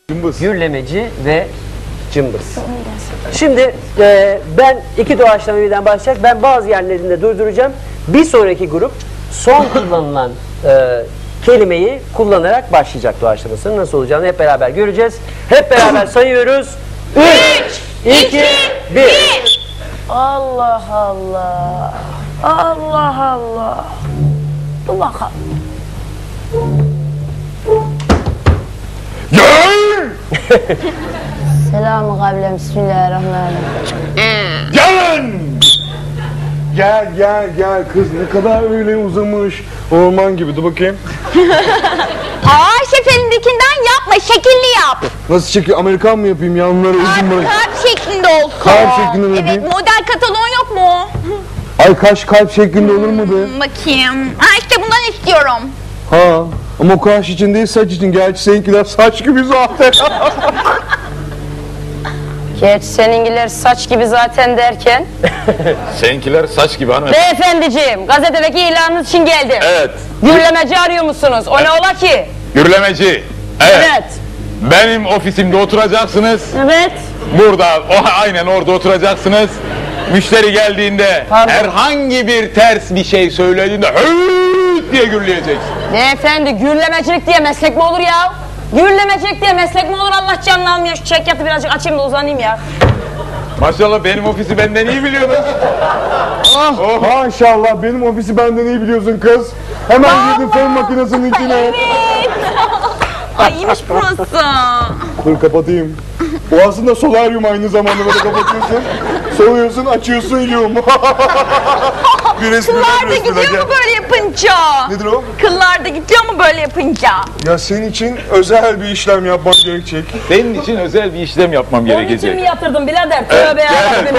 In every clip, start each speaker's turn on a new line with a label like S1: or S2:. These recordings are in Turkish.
S1: Cımbız.
S2: Gürlemeci ve cımbız. Şimdi ben iki doğaçlama birden başlayacak. Ben bazı yerlerinde durduracağım. Bir sonraki grup son kullanılan kelimeyi kullanarak başlayacak doğaçlamasının nasıl olacağını hep beraber göreceğiz. Hep beraber sayıyoruz. 3, 2, 1.
S3: Allah Allah. Allah Allah. Dur bakalım.
S1: Gel!
S3: Selamun kavlem. Bismillahirrahmanirrahim.
S1: Gelin! Gel kız, ne kadar öyle uzamış. Orman gibi, dur bakayım.
S4: Şef elindekinden yapma, şekilli yap.
S1: Nasıl çekiyor? Amerikan mı yapayım? Yanları uzun bırak.
S4: Kalp şeklinde olsun.
S1: Kalp şeklinde mi yapayım?
S4: Evet, model kataloğun yok mu?
S1: Ay kaş kalp şeklinde olur mu be?
S4: Bakayım. İşte bundan istiyorum.
S1: Ha, ama o kaş için değil, saç için. Gerçi seninkiler saç gibi zaten.
S3: Geç seninkiler saç gibi zaten derken.
S5: Seninkiler saç gibi hanım.
S3: Beyefendiciğim, gazetedeki ilanınız için geldim.
S5: Evet.
S3: Gürlemeci arıyor musunuz? O ne ola ki?
S5: Gürlemeci. Evet. Benim ofisimde oturacaksınız.
S3: Evet.
S5: Burada, aynen orada oturacaksınız. Müşteri geldiğinde herhangi bir ters bir şey söylediğinde hıııt diye gürleyeceksin.
S3: Beyefendi, gürlemecilik diye meslek mi olur ya? Gürlemecilik diye meslek mi olur, Allah canını almıyor. Şu çekyatı birazcık açayım da uzanayım ya.
S5: Maşallah benim ofisi benden iyi biliyorsunuz.
S1: Maşallah benim ofisi benden iyi biliyorsun kız. Hemen girdim fön makinesinin içine.
S4: Evet. Ay iyiymiş burası.
S1: Dur kapatayım. O aslında solaryum, aynı zamanda böyle kapatıyorsun. Soğuyorsun, açıyorsun, yum.
S4: Kıllar da gidiyor mu böyle yapınca?
S1: Nedir o?
S4: Kıllar da gidiyor mu böyle yapınca?
S1: Ya senin için özel bir işlem yapmam gerekecek.
S5: Senin için özel bir işlem yapmam
S3: Onun için
S5: gerekecek.
S3: mi yatırdım birader? Tövbe yarabbim.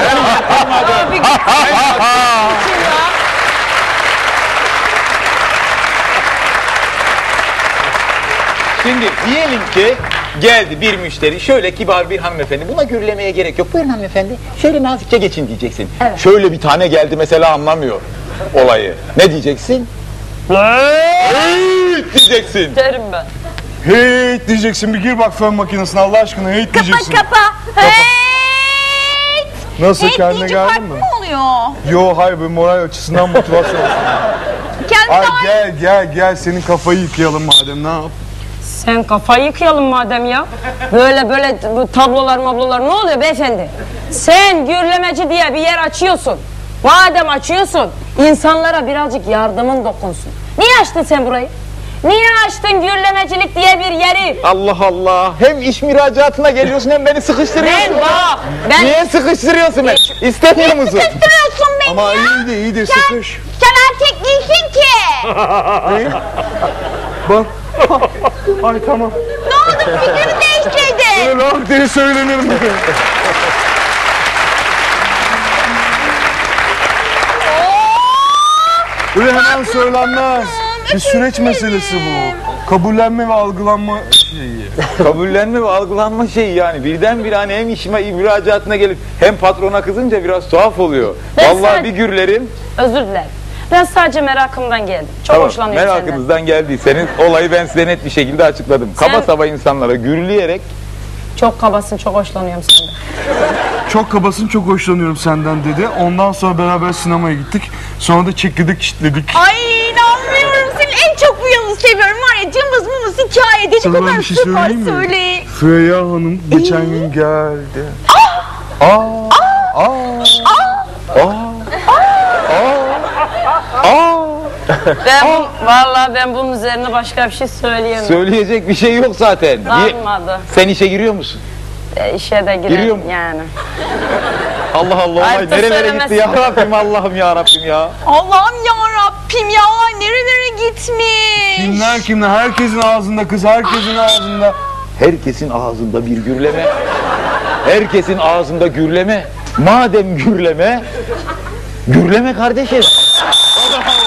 S5: Şimdi diyelim ki geldi bir müşteri, şöyle kibar bir hanımefendi, buna gürlemeye gerek yok. Buyurun hanımefendi, şöyle nazikçe geçin diyeceksin.
S3: Evet.
S5: Şöyle bir tane geldi mesela, anlamıyor olayı. Ne diyeceksin? Hıııt diyeceksin.
S3: Derim ben.
S1: Heyt diyeceksin, bir gir bak fön makinesine Allah aşkına, heyt diyeceksin.
S4: Kapa. Hey!
S1: Nasıl,
S4: Hey
S1: kendine
S4: deyince
S1: geldin
S4: farklı
S1: mi?
S4: mı oluyor?
S1: Yo hayır, bir moral açısından motivasyon.
S4: Kendine
S1: Ay gel senin kafayı yıkayalım madem, ne yap?
S3: Sen kafayı yıkayalım madem ya. Böyle bu tablolar mablolar ne oluyor beyefendi? Sen gürlemeci diye bir yer açıyorsun. Madem açıyorsun, insanlara birazcık yardımın dokunsun. Niye açtın sen burayı? Niye açtın gürlemecilik diye bir yeri?
S5: Allah Allah, hem iş müracaatına geliyorsun hem beni sıkıştırıyorsun.
S3: Ben
S5: Niye sıkıştırıyorsun beni? İstemiyor musun?
S4: sıkıştırıyorsun beni
S1: Ama
S4: ya.
S1: iyidir sıkış.
S4: Sen erkek değilsin ki.
S1: Bak. Ay tamam.
S4: Ne oldu, fikrini değiştirdin?
S1: Öyle laf diye söylenir mi? Öyle hemen söylenmez. Bir süreç meselesi bu. Kabullenme ve algılanma şeyi.
S5: Kabullenme ve algılanma şeyi yani. Birdenbire hani hem işime müracaatına gelip hem patrona kızınca biraz tuhaf oluyor.
S3: Ben
S5: Vallahi
S3: sen-
S5: bir gürlerim.
S3: özür dilerim. Ben sadece merakımdan geldim. Çok hoşlanıyorum senden.
S5: Merakınızdan geldiyseniz olayı ben size net bir şekilde açıkladım. Kaba saba insanlara gürleyerek.
S3: Çok kabasın, çok hoşlanıyorum senden.
S1: Çok kabasın, çok hoşlanıyorum senden dedi. Ondan sonra beraber sinemaya gittik. Sonra da çekirdek çitledik.
S4: Ay inanmıyorum, senin en çok bu yanını seviyorum var ya, cımbız mımız hikayede ne
S1: Sana ben
S4: kadar
S1: bir şey
S4: süper
S1: söyleyeyim mi?
S4: söyle.
S1: Freya Hanım geçen gün geldi.
S3: Vallahi ben bunun üzerine başka bir şey söyleyemem.
S5: Söyleyecek bir şey yok zaten.
S3: Kalmadı.
S5: Sen işe giriyor musun?
S3: İşe de
S5: Giriyor
S3: girelim
S5: mu?
S3: yani.
S5: Allah Allah,
S3: Ay,
S5: olay nerelere gitti ya Rabbim, Allah'ım ya Rabbim ya.
S4: Allah'ım ya Rabbim ya, nerelere gitmiş.
S1: Kimler? Herkesin ağzında kız, herkesin ağzında.
S5: Herkesin ağzında bir gürleme. Herkesin ağzında gürleme. Madem gürleme, gürleme kardeşim. Allah